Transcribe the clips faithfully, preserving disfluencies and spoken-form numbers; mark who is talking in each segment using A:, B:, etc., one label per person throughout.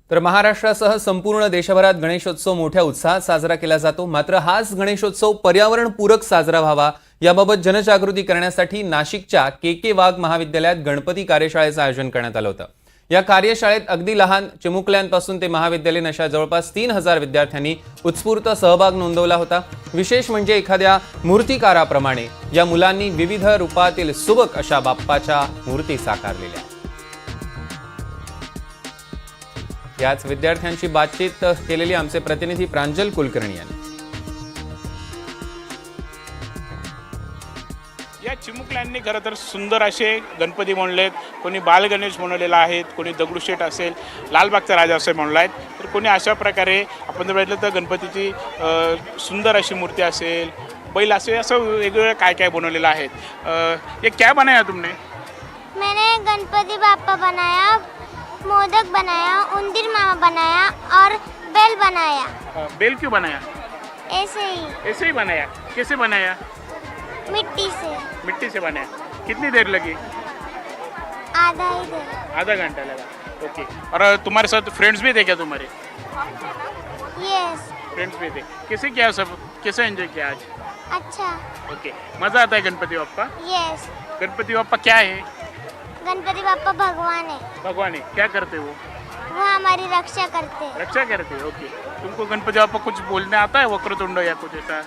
A: तर महाराष्ट्रासह संपूर्ण देशभरात गणेशोत्सव मोठ्या उत्साहात साजरा केला जातो। मात्र हाच गणेशोत्सव पर्यावरणपूरक साजरा व्हावा याबाबत जनजागृती करण्यासाठी नाशिकच्या के के वाघ महाविद्यालयात गणपती कार्यशाळेचं आयोजन करण्यात आलं होतं। या कार्यशाळेत अगदी लहान चिमुकल्यांपासून ते महाविद्यालयीन अशा जवळपास तीन हजार विद्यार्थ्यांनी उत्स्फूर्त सहभाग नोंदवला होता। विशेष म्हणजे एखाद्या मूर्तिकाराप्रमाणे या मुलांनी विविध रूपातील सुबक अशा बाप्पाच्या मूर्ती साकारलेल्या। याच विद्यार्थ्यांशी बातचीत केलेली आमचे प्रतिनिधी प्रांजल कुलकर्णी यांनी।
B: या चिमुकल्यांनी खरं तर सुंदर असे गणपती बनवलेत। कोणी बाल गणेश बनवलेला आहेत, कोणी दगडूशेठ असेल, लालबागचा राजा असे बनवला आहेत, तर कोणी अशा प्रकारे आपण जर बघितलं तर गणपतीची सुंदर अशी मूर्ती असेल, बैल असे असं वेगवेगळं काय काय बनवलेलं आहे। ये क्या बनाया तुमने?
C: मैंने गणपति बाप्पा बनाया, मोदक बनाया, उंदीर मामा बनाया और बेल बनाया।
B: बेल क्यों बनाया?
C: ऐसे ही
B: ऐसे ही बनाया। कैसे बनाया?
C: मिट्टी से।
B: मिट्टी से बनाया। कितनी देर लगी?
C: आधा ही देर।
B: आधा घंटा लगा। ओके। और तुम्हारे साथ फ्रेंड्स भी थे क्या तुम्हारे?
C: यस।
B: फ्रेंड्स भी थे। कैसे किया सब? कैसे एंजॉय किया आज?
C: अच्छा।
B: ओके। मज़ा आता है गणपति बाप्पा?
C: यस।
B: गणपति बाप्पा क्या है?
C: गणपति बाप्पा भगवान है।
B: भगवान है। क्या करते वो?
C: वो हमारी रक्षा करते हैं।
B: रक्षा करते हैं। ओके। तुमको गणपति बाप्पा कुछ बोलने आता है, वक्रतुंड या कुछ ऐसा?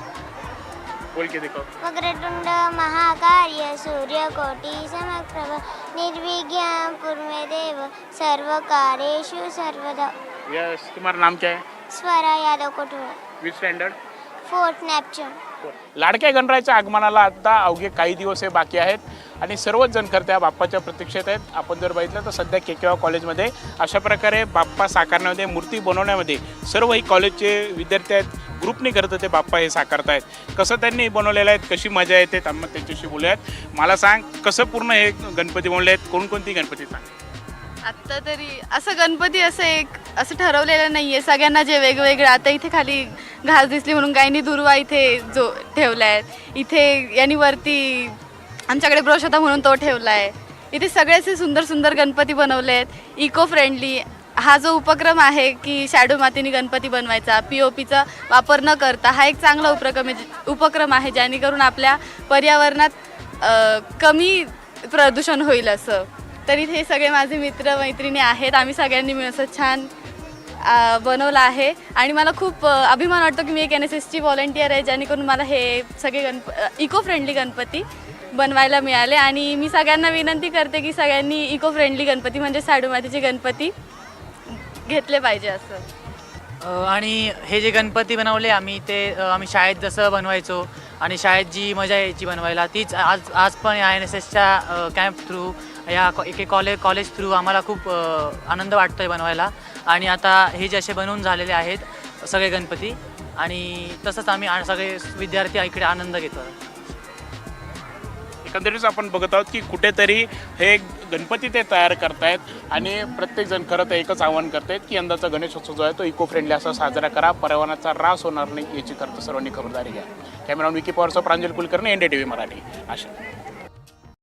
B: बोल के देखो।
C: वक्रतुंड महाकाय सूर्यकोटि समप्रभ निर्विघ्नं कुरु देव सर्वकार्येषु सर्वदा।
B: यस। तुम्हारा नाम क्या है?
C: Swara Yadav Kothule.
B: Which standard?
C: Fourth Neptune.
B: लाडक्या गणरायाच्या आगमनाला आता अवघे काही दिवस हे बाकी आहेत आणि सर्वच जण खरं त्या बाप्पाच्या प्रतीक्षेत आहेत। आपण जर बघितलं तर सध्या के के वाघ कॉलेजमध्ये अशा प्रकारे बाप्पा साकारण्यामध्ये, मूर्ती बनवण्यामध्ये सर्व ही कॉलेजचे विद्यार्थी आहेत, ग्रुपने करत ते बाप्पा हे साकारतायत। कसं त्यांनी बनवलेलं आहे, कशी मजा येते, आम्ही त्यांच्याशी बोलूयात। मला सांग, कसं पूर्ण हे गणपती बनवले आहेत, कोणकोणती गणपती सांग?
D: आत्ता तरी असं गणपती असं एक असं ठरवलेलं नाही आहे, सगळ्यांना जे वेगवेगळे। आता इथे खाली घास दिसली म्हणून गायनी दुर्वा इथे जो ठेवला आहे, इथे यांनी वरती आमच्याकडे ब्रश होता म्हणून तो ठेवला आहे। इथे सगळ्याचे सुंदर सुंदर गणपती बनवले आहेत, इको फ्रेंडली। हा जो उपक्रम आहे की शॅडो मातीने गणपती बनवायचा, पी ओ पीचा वापर न करता, हा एक चांगला उपक्रम आहे उपक्रम आहे जेणेकरून आपल्या पर्यावरणात कमी प्रदूषण होईल असं। तर इथे सगळे माझे मित्र मैत्रिणी आहेत, आम्ही सगळ्यांनी मिळून असं छान बनवलं आहे आणि मला खूप अभिमान वाटतो की मी एक एन एस एसची व्हॉलंटियर आहे, जेणेकरून मला हे सगळे गणप इको फ्रेंडली गणपती बनवायला मिळाले। आणि मी सगळ्यांना विनंती करते की सगळ्यांनी इको फ्रेंडली गणपती म्हणजे शाडू मातीचे गणपती घेतले पाहिजे असं।
E: आणि हे जे गणपती बनवले आम्ही, ते आम्ही शाळेत जसं बनवायचो आणि शाळेत जी मजा यायची बनवायला, तीच आज आज पण या एन एस एसच्या कॅम्प थ्रू, या एके कॉलेज कॉलेज थ्रू आम्हाला खूप आनंद वाटतो आहे बनवायला। आणि आता हे जे असे बनवून झालेले आहेत सगळे गणपती, आणि तसंच आम्ही सगळे विद्यार्थी इकडे आनंद घेतो।
B: एकंदरीत आपण बघत आहोत की कुठेतरी हे गणपती ते तयार करतायत आणि प्रत्येकजण खरं तर एकच आवाहन करतायत की यंदाचा गणेशोत्सव जो आहे तो इको फ्रेंडली असा साजरा करा, पर्यावरणाचा ऱ्हास होणार नाही याची खरं तर सर्वांनी खबरदारी घ्या। कॅमेरामॅन विकी पवारसह Pranjal Kulkarni, N D T V Marathi, आशा।